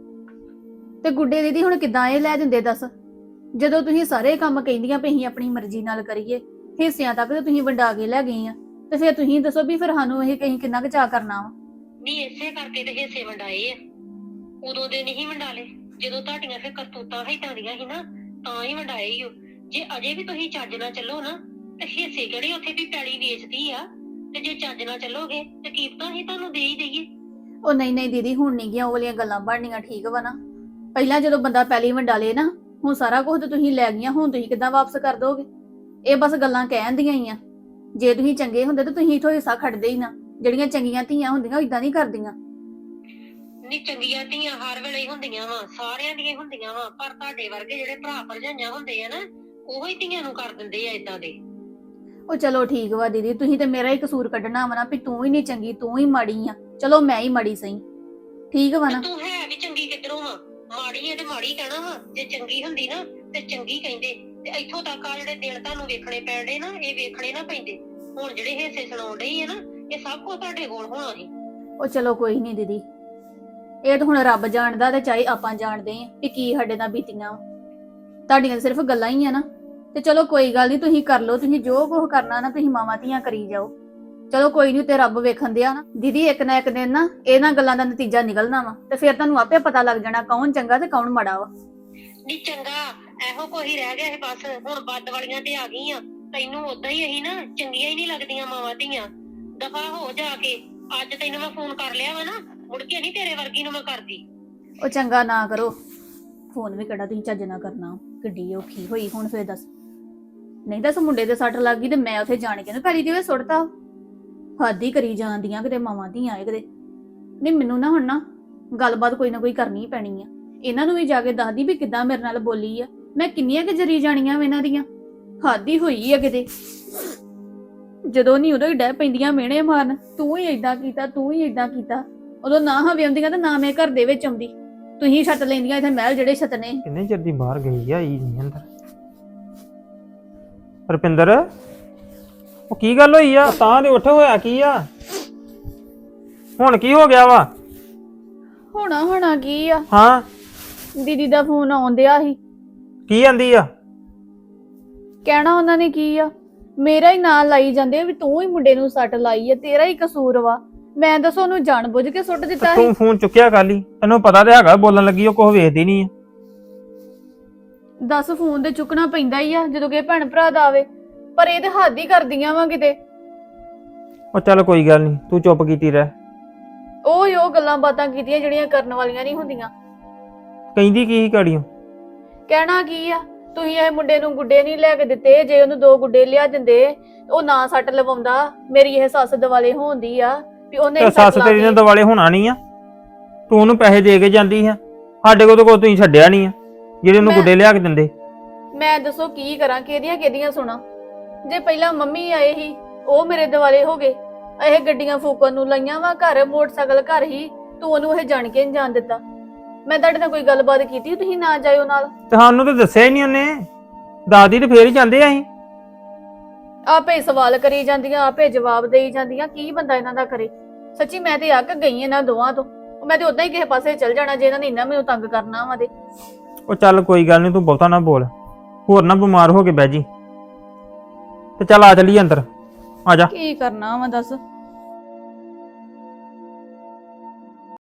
S2: ਤੇ ਗੁੱਡੇ ਦੀਦੀ ਹੁਣ ਕਿੱਦਾਂ ਇਹ ਲੈ ਦਿੰਦੇ ਦੱਸ? ਜਦੋਂ ਤੁਸੀਂ ਸਾਰੇ ਕੰਮ ਕਹਿੰਦੀਆਂ ਪਈ ਅਸੀਂ ਆਪਣੀ ਮਰਜ਼ੀ ਨਾਲ ਕਰੀਏ, ਹਿੱਸਿਆਂ ਤੱਕ ਤੇ ਤੁਸੀਂ ਵੰਡਾ ਕੇ ਲੈ ਗਏ ਆ, ਤੇ ਫਿਰ ਤੁਸੀਂ ਦੱਸੋ ਵੀ ਫਿਰ ਸਾਨੂੰ ਇਹ ਕਹੀਂ ਕਿੰਨਾ ਕੁ ਚਾਅ ਕਰਨਾ ਵਾ?
S3: ਨਹੀਂ, ਇਸੇ ਕਰਕੇ ਤੇ ਹਿੱਸੇ ਵੰਡਾਏ ਆ। ਉਦੋਂ ਦੇ ਨਹੀਂ ਵੰਡਾਲੇ, ਜਦੋਂ ਤੁਹਾਡੀਆਂ ਫਿਰ ਕਰਤੂਤਾਂ ਹਿੱਟਾਂ ਦੀਆਂ ਸੀ ਨਾ ਤਾਂ ਹੀ ਵੰਡਾਏ ਹੀ। ਜੇ ਅਜੇ ਵੀ ਤੁਸੀਂ ਚੱਜ ਨਾਲ ਚੱਲੋ ਨਾ ਤੇ ਹਿੱਸੇ ਕਿਹੜੇ ਉੱਥੇ ਵੀ ਪੈਲੀ ਵੇਚਦੀ ਆ, ਤੇ ਜੇ ਚੱਜ ਨਾਲ ਚੱਲੋਗੇ ਤੇ ਕੀਮਤਾਂ ਹੀ ਤੁਹਾਨੂੰ ਦੇ ਹੀ ਦਈਏ।
S2: ਉਹ ਨਹੀਂ ਦੀਦੀ, ਹੁਣ ਨਹੀਂ ਗਿਆ ਉਹ ਵਾਲੀਆਂ ਗੱਲਾਂ ਬਣਨੀਆਂ, ਠੀਕ ਵਾ ਨਾ? ਪਹਿਲਾਂ ਜਦੋਂ ਬੰਦਾ ਪਹਿਲੀ ਵੰਡਾ ਲੇ ਨਾ, ਹੁਣ ਸਾਰਾ ਕੁਝ ਤੇ ਤੁਸੀਂ ਲੈ ਗਈਆਂ, ਹੁਣ ਤੁਸੀਂ ਕਿੱਦਾਂ ਵਾਪਸ ਕਰ ਦੋਗੇ? ਇਹ ਬਸ ਗੱਲਾਂ ਕਹਿਣ ਦੀਆਂ ਹੀ ਆ। ਜੇ ਤੁਸੀਂ ਚੰਗੇ ਹੁੰਦੇ ਤਾਂ ਤੁਸੀਂ ਇਥੋਂ ਹਿੱਸਾ ਖੜਦੇ ਹੀ ਨਾ। ਜਿਹੜੀਆਂ ਚੰਗੀਆਂ ਧੀਆਂ ਹੁੰਦੀਆਂ ਇਦਾਂ ਨਹੀਂ ਕਰਦੀਆਂ।
S3: ਨਹੀਂ, ਚੰਗੀਆਂ ਧੀਆਂ ਹਰ ਵੇਲੇ ਹੀ ਹੁੰਦੀਆਂ ਵਾ, ਸਾਰਿਆਂ ਦੀਆਂ ਹੁੰਦੀਆਂ ਵਾ, ਪਰ ਤੁਹਾਡੇ ਵਰਗੇ ਜਿਹੜੇ ਭਰਾ ਭਰਜਾਈਆਂ ਹੁੰਦੇ ਆ ਨਾ, ਉਹੋ ਹੀ ਧੀਆਂ ਨੂੰ ਕਰ ਦਿੰਦੇ ਆ ਇਦਾਂ ਦੇ।
S2: ਉਹ ਚਲੋ ਠੀਕ ਵਾ ਦੀਦੀ, ਤੁਸੀਂ ਤੇ ਮੇਰਾ ਹੀ ਕਸੂਰ ਕੱਢਣਾ ਵਾ ਨਾ ਵੀ ਤੂੰ ਹੀ ਨਹੀਂ ਚੰਗੀ, ਤੂੰ ਹੀ ਮਾੜੀ ਆ। ਚਲੋ ਮੈਂ ਹੀ ਮਾੜੀ ਸਹੀ, ਠੀਕ ਵਾ ਨਾ?
S3: ਤੂੰ ਹੈ ਵੀ ਚੰਗੀ ਕਿੱਧਰੋਂ ਵਾ? ਮਾੜੀ ਐ ਤੇ ਮਾੜੀ ਕਹਿਣਾ ਵਾ। ਜੇ ਚੰਗੀ ਹੁੰਦੀ ਨਾ ਤੇ ਚੰਗੀ ਕਹਿੰਦੇ। ਤੇ ਇੱਥੋਂ ਤੱਕ ਆ ਜਿਹੜੇ ਦਿਨ ਤੁਹਾਨੂੰ ਵੇਖਣੇ ਪੈਣਦੇ ਨਾ, ਇਹ ਵੇਖਣੇ ਨਾ ਪੈਂਦੇ। ਹੁਣ ਜਿਹੜੇ ਹਿੱਸੇ ਸੁਣਾਉਣ ਡਈ ਆ ਨਾ, ਇਹ ਸਭ ਕੁਝ ਤੁਹਾਡੇ ਕੋਲ ਹੋਣਾ ਸੀ।
S2: ਉਹ ਚਲੋ ਕੋਈ ਨਹੀਂ ਦੀਦੀ, ਇਹ ਤਾਂ ਹੁਣ ਰੱਬ ਜਾਣਦਾ ਤੇ ਚਾਹੇ ਆਪਾਂ ਜਾਣਦੇ ਆ ਕਿ ਕੀ ਸਾਡੇ ਨਾਲ ਬੀਤੀਆਂ। ਤੁਹਾਡੀਆਂ ਸਿਰਫ ਗੱਲਾਂ ਹੀ ਆ ਨਾ, ਤੇ ਚਲੋ ਕੋਈ ਗੱਲ ਨਹੀਂ, ਤੁਸੀਂ ਕਰ ਲਓ, ਤੁਸੀਂ ਜੋ ਕੁਝ ਕਰਨਾ ਨਾ ਤੁਸੀਂ ਮਾਵਾਂ ਧੀਆਂ ਕਰੀ ਜਾਓ। ਚਲੋ ਕੋਈ ਨਹੀਂ, ਤੇ ਰੱਬ ਵੇਖਣ ਦਿਆ ਨਾ ਦੀਦੀ, ਇੱਕ ਨਾ ਇੱਕ ਦਿਨ ਨਾ ਇਹਨਾਂ ਗੱਲਾਂ ਦਾ ਨਤੀਜਾ ਨਿਕਲਣਾ ਵਾ, ਤੇ ਫਿਰ ਤੁਹਾਨੂੰ ਆਪੇ ਪਤਾ ਲੱਗ ਜਾਣਾ ਕੌਣ ਚੰਗਾ ਤੇ ਕੌਣ ਮਾੜਾ ਵਾ।
S3: ਨਹੀਂ ਚੰਗਾ, ਇਹੋ ਕੋਈ ਰਹਿ ਗਿਆ ਸੀ ਬਸ। ਹੁਣ ਬੱਦ ਵਾਲੀਆਂ ਤੇ ਆ ਗਈਆਂ। ਤੈਨੂੰ ਉਦਾਂ ਹੀ ਅਸੀਂ ਨਾ ਚੰਗੀਆਂ ਹੀ ਨਹੀਂ ਲੱਗਦੀਆਂ ਮਾਵਾਂ ਧੀਆਂ। ਦਫਾ ਹੋ ਜਾ ਕੇ। ਅੱਜ ਤੈਨੂੰ ਮੈਂ ਫੋਨ ਕਰ ਲਿਆ ਵਾ ਨਾ, ਮੁੜ ਕੇ ਨਹੀਂ ਤੇਰੇ ਵਰਗੀ ਨੂੰ ਮੈਂ ਕਰਦੀ।
S2: ਉਹ ਚੰਗਾ ਨਾ ਕਰੋ ਫੋਨ, ਵੀ ਕਿਹੜਾ ਤੁਸੀਂ ਚੱਜ ਨਾ ਕਰਨਾ। ਕਿੱਡੀ ਔਖੀ ਹੋਈ ਹੁਣ ਫਿਰ ਦੱਸ। ਨਹੀਂ ਦੱਸ, ਮੁੰਡੇ ਦੇ ਸੱਟ ਲੱਗ ਗਈ ਤੇ ਮੈਂ ਉੱਥੇ ਜਾਣ ਕੇ ਨਾ ਪੈਲੀ ਦੇ ਵਿੱਚ ਸੁੱਟਤਾ। ਹੱਦ ਹੀ ਕਰੀ ਜਾਂਦੀਆਂ ਕਿਤੇ ਮਾਵਾਂ ਧੀਆਂ ਆਏ ਕਿਤੇ। ਨਹੀਂ ਮੈਨੂੰ ਨਾ ਹੁਣ ਨਾ ਗੱਲਬਾਤ ਕੋਈ ਨਾ ਕੋਈ ਕਰਨੀ ਹੀ ਪੈਣੀ ਆ। ਇਹਨਾਂ ਨੂੰ ਵੀ ਜਾ ਕੇ ਦੱਸਦੀ ਵੀ ਕਿੱਦਾਂ ਮੇਰੇ ਨਾਲ ਬੋਲੀ ਆ। ਮੈਂ ਕਿੰਨੀਆਂ ਕਿ ਜਰੀ ਜਾਣੀਆਂ ਵਾ ਇਹਨਾਂ ਦੀਆਂ। ਹਾਦੀ ਹੋਈ ਆ ਕਿਤੇ। ਜਦੋਂ ਨਹੀਂ ਉਦੋਂ ਹੀ ਡਹਿ ਪੈਂਦੀਆਂ ਮਿਹਣੇ ਮਾਰਨ, ਤੂੰ ਹੀ ਏਦਾਂ ਕੀਤਾ, ਤੂੰ ਹੀ ਏਦਾਂ ਕੀਤਾ। ਉਦੋਂ ਨਾ ਹਵੇ ਆਉਂਦੀਆਂ ਤੇ ਨਾ ਮੈਂ ਘਰ ਦੇ ਵਿੱਚ ਆਉਂਦੀ। ਤੁਸੀਂ ਛੱਤ ਲੈਂਦੀਆਂ ਇੱਥੇ ਮਹਿਲ ਜਿਹੜੇ ਛੱਤ ਨੇ।
S7: ਕਿੰਨੇ ਚਿਰ ਦੀ ਬਾਹਰ ਗਈ ਆ, ਆਈ ਨਹੀਂ ਅੰਦਰ। ਰੁਪਿੰਦਰ, ਉਹ ਕੀ ਗੱਲ ਹੋਈ ਆ? ਤਾਂ ਦੇ ਉੱਠ, ਹੋਇਆ ਕੀ ਆ? ਹੁਣ ਕੀ ਹੋ ਗਿਆ ਵਾ?
S2: ਹੋਣਾ ਕੀ ਆ?
S7: ਹਾਂ,
S2: ਦੀਦੀ ਦਾ ਫੋਨ ਆਉਂਦਿਆ ਸੀ।
S7: ਕੀ ਆਂਦੀ ਆ?
S2: ਕਹਿਣਾ ਉਹਨਾਂ ਨੇ ਕੀ ਆ, ਮੇਰਾ ਹੀ ਨਾਂ ਲਾਈ ਜਾਂਦੇ ਆ ਵੀ ਤੂੰ ਹੀ ਮੁੰਡੇ ਨੂੰ ਸੱਟ ਲਾਈ ਆ, ਤੇਰਾ ਹੀ ਕਸੂਰ ਵਾ। ਮੈਂ ਦੱਸੋ ਉਹਨੂੰ ਜਾਣ ਬੁੱਝ ਕੇ ਸੁੱਟ ਦਿੱਤਾ ਸੀ।
S7: ਤੂੰ ਫੋਨ ਚੁੱਕਿਆ ਕੱਲ ਹੀ, ਤੈਨੂੰ ਪਤਾ ਤੇ ਹੈਗਾ ਬੋਲਣ ਲੱਗੀ ਉਹ ਕੁਝ ਵੇਖਦੀ ਨਹੀਂ ਆ।
S2: ਦੱਸ ਫੋਨ ਤੇ ਚੁੱਕਣਾ ਪੈਂਦਾ ਹੀ ਆ ਜਦੋਂ ਕਿ ਭੈਣ ਭਰਾ ਦਾ ਆਵੇ, ਪਰ ਇਹ ਤੇ ਹੱਦ ਹੀ ਕਰਦੀਆਂ ਵਾ ਕਿਤੇ।
S7: ਉਹ ਚੱਲ ਕੋਈ ਗੱਲ ਨਹੀਂ, ਤੂੰ ਚੁੱਪ ਕੀਤੀ ਰਹਿ।
S2: ਉਹ ਗੱਲਾਂ ਬਾਤਾਂ ਕੀਤੀਆਂ ਜਿਹੜੀਆਂ ਕਰਨ ਵਾਲੀਆਂ ਨਹੀਂ ਹੁੰਦੀਆਂ।
S7: ਕਹਿੰਦੀ ਕੀ ਸੀ ਗਾੜੀਆਂ?
S2: ਕਹਿਣਾ ਕੀ ਆ, ਤੁਸੀਂ ਇਹ ਮੁੰਡੇ ਨੂੰ ਗੁੱਡੇ ਨਹੀਂ ਲੈ ਕੇ ਦਿੱਤੇ। ਜੇ ਉਹਨੂੰ 2 ਗੁੱਡੇ ਲਿਆ ਦਿੰਦੇ ਉਹ ਨਾ ਸੱਟ ਲਵਾਉਂਦਾ। ਮੇਰੀ ਇਹ ਸੱਸ ਦਿਵਾਲੇ ਹੋਣਦੀ ਆ ਵੀ ਉਹਨੇ ਹੀ
S7: ਸੱਸ
S2: ਸੱਟ
S7: ਤੇਰੀ ਨੇ
S2: ਲਾਤੀ।
S7: ਦਿਵਾਲੇ ਹੋਣਾ ਨਹੀਂ ਆ। ਤੂੰ ਉਹਨੂੰ ਪੈਸੇ ਦੇ ਕੇ ਜਾਂਦੀ ਆ, ਸਾਡੇ ਕੋਲ ਤਾਂ ਕੋਈ ਤੁਸੀਂ ਛੱਡਿਆ ਨਹੀਂ ਆ ਜਿਹੜੇ ਉਹਨੂੰ
S2: ਮੈਂ-
S7: ਗੁੱਡੇ ਲਿਆ ਕੇ ਦਿੰਦੇ।
S2: ਮੈਂ ਦੱਸੋ ਕੀ ਕਰਾਂ, ਕਿਹਦੀਆਂ ਸੁਣਾ। ਜੇ ਪਹਿਲਾਂ ਮੰਮੀ ਆਏ ਸੀ ਉਹ ਮੇਰੇ ਦਿਵਾਲੇ ਹੋ ਗਏ। ਇਹ ਗੱਡੀਆਂ ਫੂਕਣ ਨੂੰ ਲਾਈਆਂ ਵਾ, ਘਰ ਮੋਟਰਸਾਈਕਲ ਘਰ ਹੀ, ਤੂੰ ਉਹਨੂੰ ਇਹ ਜਾਣ ਕੇ ਨਹੀਂ ਜਾਣ ਦਿੱਤਾ। ਮੈਂ ਤੁਹਾਡੇ ਨਾਲ ਕੋਈ ਗੱਲਬਾਤ ਕੀਤੀ, ਤੁਸੀਂ ਨਾ ਜਾਇਓ ਨਾਲ।
S7: ਤੁਹਾਨੂੰ ਤਾਂ ਦੱਸਿਆ ਹੀ ਨਹੀਂ ਉਹਨੇ। ਦਾਦੀ ਤੇ ਫੇਰ ਹੀ ਜਾਂਦੇ ਆ ਅਸੀਂ।
S2: ਆਪੇ ਸਵਾਲ ਕਰੀ ਜਾਂਦੀਆਂ, ਆਪੇ ਜਵਾਬ ਦੇਈ ਜਾਂਦੀਆਂ। ਕੀ ਬੰਦਾ ਇਹਨਾਂ ਦਾ ਕਰੇ। ਸੱਚੀ ਮੈਂ ਤੇ ਅੱਕ ਗਈ ਇਹਨਾਂ ਦੋਵਾਂ ਤੋਂ। ਮੈਂ ਤੇ ਉਦਾਂ ਹੀ ਕਿਸੇ ਪਾਸੇ ਚੱਲ ਜਾਣਾ ਜੇ ਇਹਨਾਂ ਨੇ ਇੰਨਾ ਮੈਨੂੰ ਤੰਗ ਕਰਨਾ ਵਾ। ਤੇ
S7: ਉਹ ਚੱਲ ਕੋਈ ਗੱਲ ਨਹੀਂ, ਤੂੰ ਬਹੁਤਾ ਨਾ ਬੋਲ, ਹੋਰ ਨਾ ਬਿਮਾਰ ਹੋ ਕੇ ਬਹਿ ਜੀ। ਤੇ ਚੱਲ ਆ ਚੱਲੀਏ ਅੰਦਰ, ਆ ਜਾ।
S2: ਕੀ ਕਰਨਾ ਵਾ ਦੱਸ।